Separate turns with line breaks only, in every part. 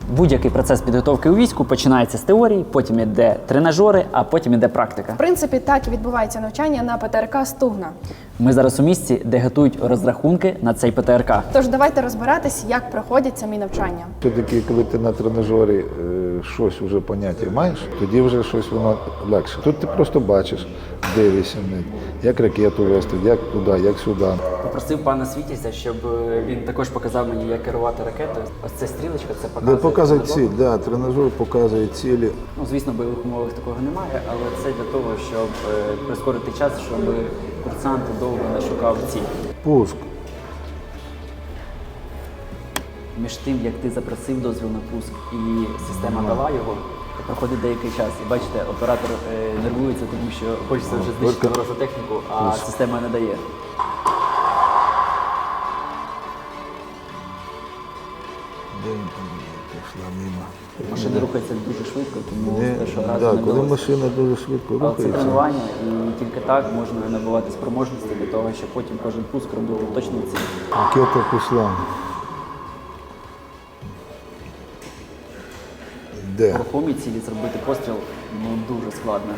Будь-який процес підготовки у війську починається з теорії, потім йде тренажери, а потім йде практика.
В принципі, так і відбувається навчання на ПТРК «Стугна».
Ми зараз у місці, де готують розрахунки на цей ПТРК.
Тож давайте розбиратись, як проходять самі навчання.
Все-таки, коли ти на тренажері щось вже поняття маєш, тоді вже щось воно легше. Тут ти просто бачиш, дивишся, як ракету вести, як туди, як сюди.
Попросив пана Світязя, щоб він також показав мені, як керувати ракетою. Ось ця стрілочка, це показує.
Показує ціль, да, тренажер показує цілі.
Ну, звісно, в бойових умовах такого немає, але це для того, щоб прискорити час, щоб курсант довго не шукав ціль.
Пуск.
Між тим, як ти запросив дозвіл на пуск і система дала його, проходить деякий час. І бачите, оператор нервується, тому що хочеться вже знищити ворожу техніку, а система не дає.
Пішла мимо.
Машина рухається дуже швидко, тому з першого разу
Так,
не
коли
вдалося.
машина дуже швидко
Але це
рухається.
тренування, і тільки так можна набувати спроможності для того, щоб потім кожен пуск робити точно в ціль.
Ракета пішла. Де?
В рухомій цілі зробити постріл дуже складно.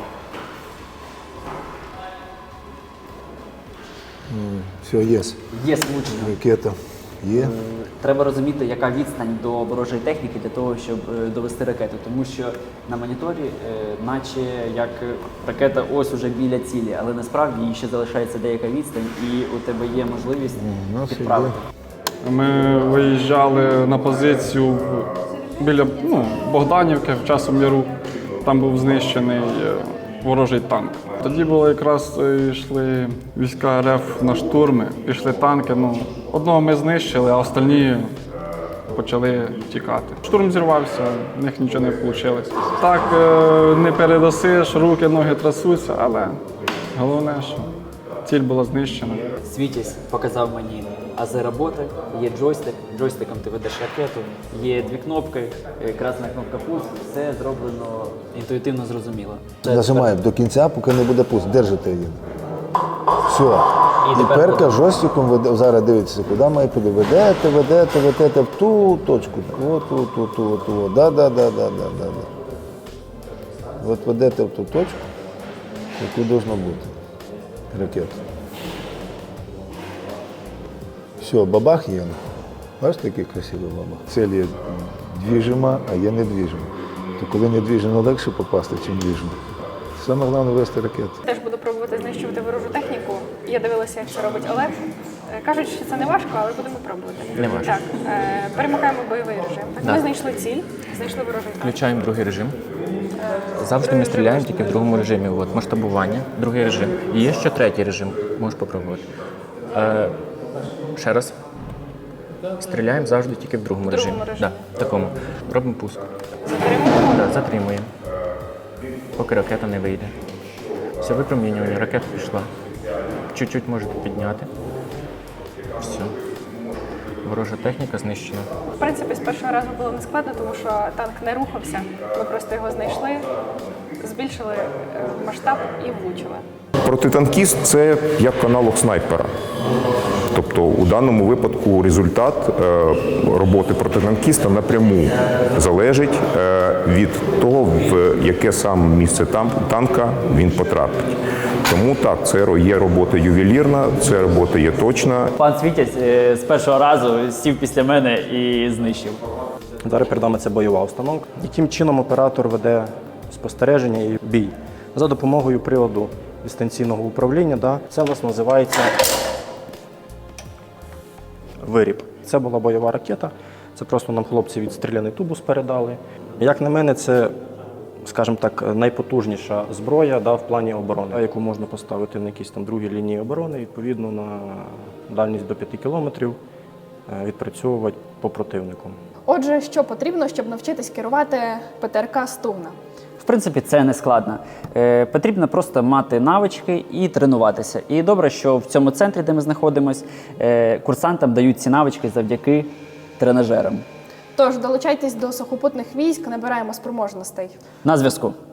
Все, є.
Є влучення.
Ракета є.
Треба розуміти, яка відстань до ворожої техніки для того, щоб довести ракету. Тому що на моніторі, наче як ракета ось уже біля цілі, але насправді їй ще залишається деяка відстань, і у тебе є можливість підправити.
Ми виїжджали на позицію біля Богданівки в Часовому Яру. Там був знищений ворожий танк. Тоді було якраз йшли війська РФ на штурми, пішли танки. Одного ми знищили, а остальні почали тікати. Штурм зірвався, в них нічого не вийшло. Так не передасиш, руки, ноги трясуться, але головне, що ціль була знищена.
Світязь показав мені ази роботи, є джойстик, джойстиком ти ведеш ракету, є дві кнопки, красна кнопка пуск, все зроблено інтуїтивно зрозуміло.
Нажимаємо до кінця, поки не буде пуск. Держите її. Все.
І
І
тепер
перка жорстком веде, зараз дивіться, куди має піти. Ведете в ту точку. От. Да. От ведете в ту точку, яку должно бути. Ракета. Все, бабах є. Бачите, який красивий бабах? Цель є двіжима, а є недвіжима. То коли недвіжимо, легше попасти, ніж двіжимо. Саме головне вести ракету.
Теж буду пробувати знищувати ворожу техніку. Я дивилася, як це робить Олег. Кажуть, що це не важко, але будемо пробувати.
Не важко.
Так, перемикаємо бойовий режим.
Да.
Ми знайшли ціль, знайшли ворожий танк.
Включаємо другий режим. Завжди ми стріляємо тільки в другому режимі. От, масштабування, другий режим. І є ще третій режим, можеш попробувати. Ще раз. Стріляємо завжди тільки в другому режимі. Да, в такому. Робимо пуск.
Затримуємо.
Да, затримуємо. Поки ракета не вийде. Все, випромінюємо, ракета пішла. Чуть-чуть можете підняти. Все. Ворожа техніка знищена.
В принципі, з першого разу було не складно, тому що танк не рухався. Ми просто його знайшли, збільшили масштаб і влучили.
Протитанкіст – це як аналог снайпера. Тобто у даному випадку результат роботи протитанкіста напряму залежить від того, в яке саме місце танка він потрапить. Тому так, це є робота ювелірна, це робота є точна.
Пан Світязь з першого разу сів після мене і знищив.
Зараз перед нами це бойова установка. Яким чином оператор веде спостереження і бій? За допомогою приладу дистанційного управління. Да? Це у нас називається виріб. Це була бойова ракета. Це просто нам хлопці відстріляний тубус передали. Як на мене, це, скажімо так, найпотужніша зброя в плані оборони, яку можна поставити на якісь там другі лінії оборони, відповідно на дальність до 5 кілометрів відпрацьовувати по противнику.
Отже, що потрібно, щоб навчитись керувати ПТРК «Стугна»?
В принципі, це не складно. Потрібно просто мати навички і тренуватися. І добре, що в цьому центрі, де ми знаходимося, курсантам дають ці навички завдяки тренажерам.
Тож, долучайтесь до сухопутних військ, набираємо спроможностей.
На зв'язку.